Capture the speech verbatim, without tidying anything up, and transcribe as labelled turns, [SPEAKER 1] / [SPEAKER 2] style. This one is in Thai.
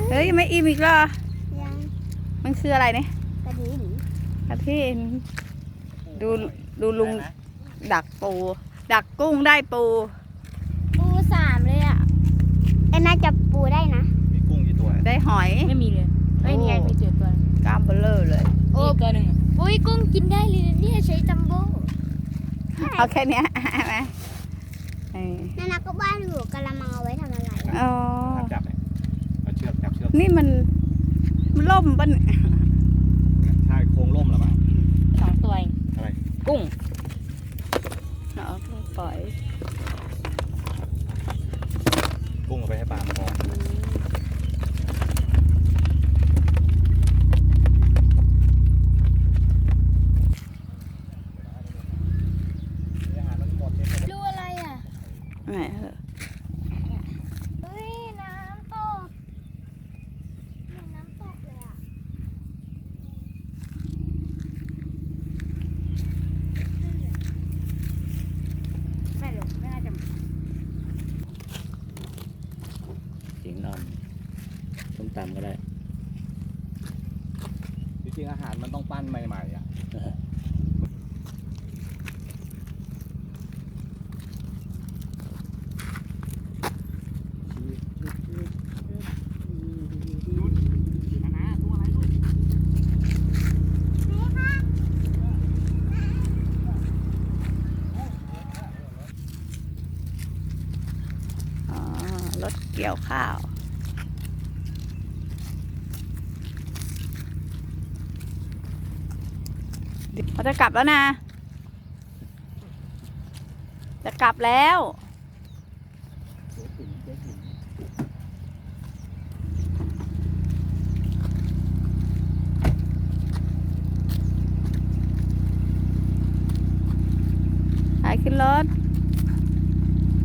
[SPEAKER 1] เฮ้ยไม่อิ่มอีกเหรอ
[SPEAKER 2] ยัง
[SPEAKER 1] มันคืออะไรเนี่ย
[SPEAKER 2] กระดิ่ง
[SPEAKER 1] กระทินดูดูลุงดักปู ดักกุ้งได้ปู
[SPEAKER 2] ปูสามเลยอ่ะแต่น่าจะปูได้นะ
[SPEAKER 3] มีกุ้งกี่ตัว
[SPEAKER 1] ได้หอย
[SPEAKER 4] ไม่มีเลยไม่มีไงมีเจอตัว
[SPEAKER 1] กล้ามเบลเลอร์เลย
[SPEAKER 4] โอ้ตัวหนึ่ง
[SPEAKER 2] อุ้ยกุ้งกินได้เลยเนี่ยใช้จัมโบ้
[SPEAKER 1] เอาแค่เนี้ยไหมเออ
[SPEAKER 2] นานาก็บ้านอยู่กะละมังเอาไว้ทำอะไร
[SPEAKER 1] อ๋อ
[SPEAKER 3] จับเลยเอาเชือกจับเชือก
[SPEAKER 1] นี่มันมันล่มปะเนี่ย
[SPEAKER 3] ใช่โครงล่มแล้วมั้ง
[SPEAKER 4] สองตัวเอง
[SPEAKER 3] อะไร
[SPEAKER 4] กุ้ง
[SPEAKER 1] เอากุ้งปล่อย
[SPEAKER 3] กุ้งเอาไปให้ปลามันพออาหารมันหมดเนี่ย
[SPEAKER 2] ดูอะไรอ่ะ
[SPEAKER 1] ไหนเหรอ
[SPEAKER 2] เฮ้ยน้ำตกเหมือนน้ำตกเลยอ่ะ
[SPEAKER 4] ไม่หรอกไม่น่าจะ
[SPEAKER 5] สิงนอนต้มตำก็ได้
[SPEAKER 3] จริงๆอาหารมันต้องปั้นใหม่ๆอ่ะตัวอะไรลูก
[SPEAKER 1] อ๋อรถเกี่ยวข้าวเขาจะกลับแล้วนะ จะกลับแล้ว ไปขึ้นรถ